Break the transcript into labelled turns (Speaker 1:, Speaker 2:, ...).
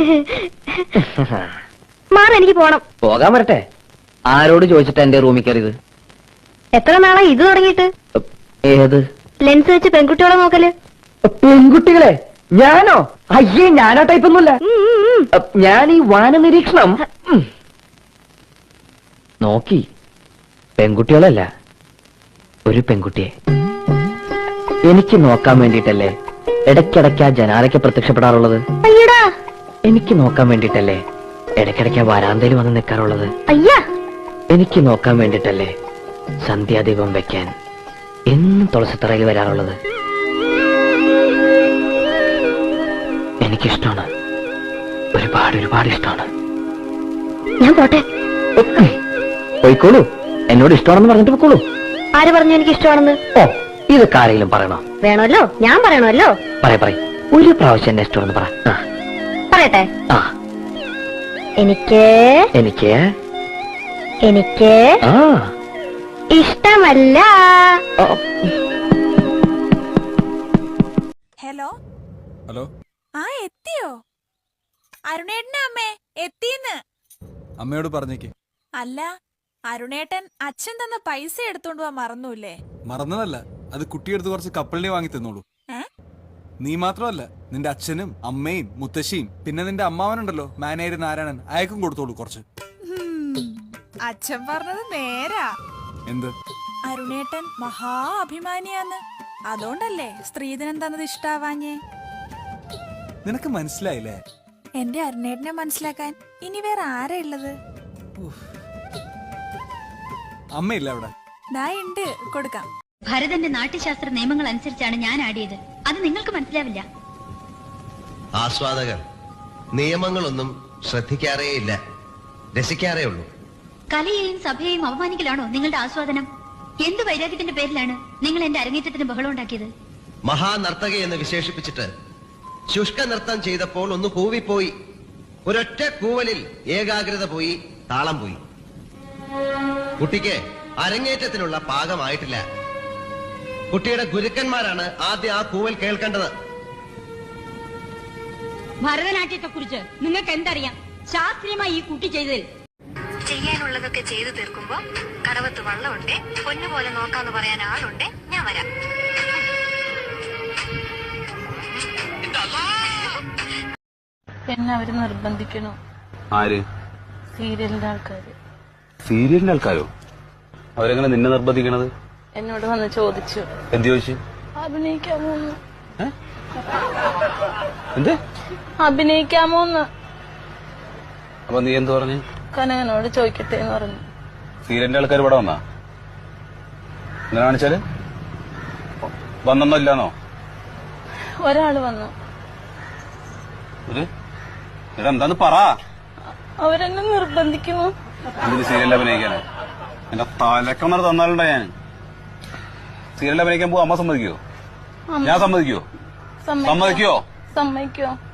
Speaker 1: മാറി, എനിക്ക് പോണം.
Speaker 2: പോകാൻ വരട്ടെ. ആരോട് ചോദിച്ചിട്ടാ എന്റെ റൂമിൽ കയറിയത്?
Speaker 1: എത്ര നാളാ ഇത് തുടങ്ങിയിട്ട്?
Speaker 2: ഏത്
Speaker 1: ലെൻസ് വെച്ച് പെൺകുട്ടികളെ നോക്കല്?
Speaker 2: പെൺകുട്ടികളെ? ഞാനോ? അയ്യേ, ഞാനോ ടൈപ്പൊന്നുമില്ല. ഞാൻ ഈ വാന നിരീക്ഷണം നോക്കി. പെൺകുട്ടികളല്ല, ഒരു പെൺകുട്ടിയെ എനിക്ക് നോക്കാൻ വേണ്ടിട്ടല്ലേ ഇടയ്ക്കിടയ്ക്ക് ആ ജനാലയ്ക്ക് പ്രത്യക്ഷപ്പെടാറുള്ളത്.
Speaker 1: അയ്യടാ,
Speaker 2: എനിക്ക് നോക്കാൻ വേണ്ടിട്ടല്ലേ ഇടയ്ക്കിടയ്ക്ക് വരാന്തയിൽ വന്ന് നിൽക്കാറുള്ളത്.
Speaker 1: അയ്യാ,
Speaker 2: എനിക്ക് നോക്കാൻ വേണ്ടിട്ടല്ലേ സന്ധ്യാദീപം വെക്കാൻ എന്നും തുളസിത്തറയിൽ വരാറുള്ളത്. എനിക്കിഷ്ടമാണ്, ഒരുപാട് ഒരുപാട് ഇഷ്ടമാണ്.
Speaker 1: ഞാൻ പോട്ടെ.
Speaker 2: പോയിക്കോളൂ, എന്നോട് ഇഷ്ടമാണെന്ന് പറഞ്ഞിട്ട് പോയിക്കോളൂ.
Speaker 1: ആര് പറഞ്ഞു എനിക്ക് ഇഷ്ടമാണെന്ന്?
Speaker 2: ഓ, ഇതൊക്കെ ആരെങ്കിലും പറയണോ?
Speaker 1: വേണമല്ലോ, ഞാൻ പറയണമല്ലോ.
Speaker 2: പറയ ഒരു പ്രാവശ്യം എന്നെ ഇഷ്ടമാണെന്ന് പറ.
Speaker 1: പറയട്ടെ. എനിക്ക്
Speaker 2: എനിക്ക്
Speaker 1: എനിക്ക് ഇഷ്ടമല്ല.
Speaker 3: Hello hello. എത്തിയോ? അരുണേട്ടന്റെ അമ്മേ എത്തിന്ന്.
Speaker 4: അമ്മയോട് പറഞ്ഞേക്ക്.
Speaker 3: അല്ല, അരുണേട്ടൻ അച്ഛൻ തന്ന പൈസ എടുത്തോണ്ട് പോവാൻ മറന്നൂല്ലേ?
Speaker 4: മറന്നതല്ല, അത് കുട്ടിയെടുത്ത് കുറച്ച് കപ്പലിനെ വാങ്ങി തന്നോളൂ. നീ മാത്രമല്ല, നിന്റെ അച്ഛനും അമ്മയും മുത്തശ്ശിയും പിന്നെ നിന്റെ അമ്മാവനുണ്ടല്ലോ മാനേജർ നാരായണൻ, അയക്കും കൊടുത്തോളൂ കുറച്ച്.
Speaker 3: അച്ഛൻ പറഞ്ഞത് നേരാ.
Speaker 4: എന്ത്?
Speaker 3: അരുണേട്ടൻ മഹാ അഭിമാനിയാന്ന്. അതുകൊണ്ടല്ലേ സ്ത്രീധനം തന്നത് ഇഷ്ടാവാഞ്ഞേ.
Speaker 4: നിനക്ക് മനസ്സിലായില്ലേ?
Speaker 3: എന്റെ അരുണേട്ടനെ മനസ്സിലാക്കാൻ ഇനി വേറെ ആരാ ഉള്ളത്?
Speaker 4: അമ്മയില്ല അവിടെ?
Speaker 3: ദാ ഉണ്ട്, കൊടുക്കാം.
Speaker 5: ഭരതന്റെ നാട്യശാസ്ത്ര നിയമങ്ങൾ അനുസരിച്ചാണ് ഞാൻ ആടിയത്. അത് നിങ്ങൾക്ക് മനസ്സിലാവില്ല.
Speaker 6: ആസ്വാദകർ നിയമങ്ങളൊന്നും ശ്രദ്ധിക്കാറേയില്ല, രസിക്കാറേ ഉള്ളൂ.
Speaker 5: കലയെയും സഭയെയും അപമാനിക്കലാണോ നിങ്ങളുടെ ആസ്വാദനം? എന്ത് വൈരാഗ്യത്തിന്റെ പേരിലാണ് നിങ്ങൾ എന്റെ അരങ്ങേറ്റത്തിന് ബഹളം ഉണ്ടാക്കിയത്?
Speaker 6: മഹാനർത്തക എന്ന് വിശേഷിപ്പിച്ചിട്ട് ശുഷ്ക നൃത്തം ചെയ്തപ്പോൾ ഒന്ന് കൂവിപ്പോയി. ഒരൊറ്റ കൂവലിൽ ഏകാഗ്രത പോയി, താളം പോയി. കുട്ടിക്ക് അരങ്ങേറ്റത്തിനുള്ള പാകമായിട്ടില്ല. കുട്ടിയുടെ ഗുരുക്കന്മാരാണ് ആദ്യം ആ കൂവൽ കേൾക്കേണ്ടത്.
Speaker 5: ഭരതനാട്യത്തെ കുറിച്ച് നിങ്ങൾക്ക് എന്തറിയാം? ശാസ്ത്രീയമായി ഈ കുട്ടി ചെയ്തതിൽ
Speaker 7: ചെയ്യാനുള്ളതൊക്കെ ചെയ്തു തീർക്കുമ്പോ കടവത്ത് വള്ളമുണ്ടേ, പൊന്നുപോലെ നോക്കാന്ന് പറയാൻ ആളുണ്ടേ, ഞാൻ വരാം.
Speaker 8: എന്നെ അവര് നിർബന്ധിക്കണോ?
Speaker 9: ആര്?
Speaker 8: സീരിയലിന്റെ ആൾക്കാര്.
Speaker 9: സീരിയലിന്റെ ആൾക്കാരോ? അവരെങ്ങനെ നിന്നെ നിർബന്ധിക്കണത്?
Speaker 8: എന്നോട് വന്ന് ചോദിച്ചു.
Speaker 9: എന്ത് ചോദിച്ചു?
Speaker 8: അഭിനയിക്കാമോന്ന്.
Speaker 9: എന്ത്?
Speaker 8: അഭിനയിക്കാമോന്ന്.
Speaker 9: അപ്പൊ നീ എന്ത് പറഞ്ഞു?
Speaker 8: കനകനോട് ചോദിക്കട്ടെ എന്ന് പറഞ്ഞു.
Speaker 9: സീരിയലിന്റെ ആൾക്കാർ ഇവിടെ വന്നാ? എന്താ കാണിച്ചാല്? വന്നോ ഇല്ലാന്നോ?
Speaker 8: ഒരാള് വന്നു.
Speaker 9: എന്താന്ന് പറ.
Speaker 8: അവരെന്നെ നിർബന്ധിക്കുന്നു.
Speaker 9: ഇതിന് സീരിയലിൽ അഭിനയിക്കാനോ? എന്റെ തലക്കൊന്നര തന്നാലുണ്ടോ ഞാൻ? സീരിയലിൽ അഭിനയിക്കാൻ പോവാ അമ്മ സമ്മതിക്കോ? ഞാൻ സമ്മതിക്കോ?
Speaker 8: സമ്മതിക്കോ?